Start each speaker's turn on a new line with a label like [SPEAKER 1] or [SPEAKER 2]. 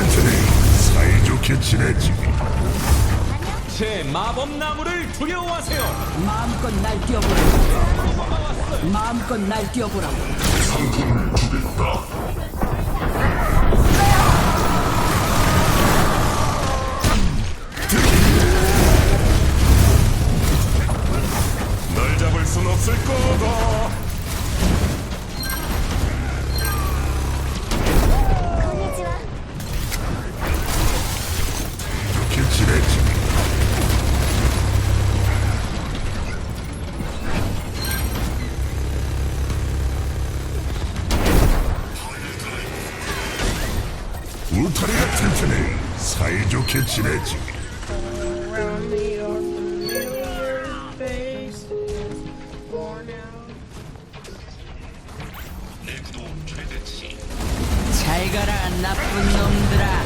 [SPEAKER 1] 튼튼히 사이좋게 지내지.
[SPEAKER 2] 제 마법 나무를 두려워하세요.
[SPEAKER 3] 마음껏 날뛰어보라고. 마음껏 날뛰어보라고.
[SPEAKER 1] 상품을 주겠다.
[SPEAKER 4] 널 잡을 순 없을 거다.
[SPEAKER 1] 이렇게 지내지. 울타리가 튼튼히 사이좋게 지내지.
[SPEAKER 5] Around me are familiar faces worn out.
[SPEAKER 3] 잘 가라 나쁜 놈들아.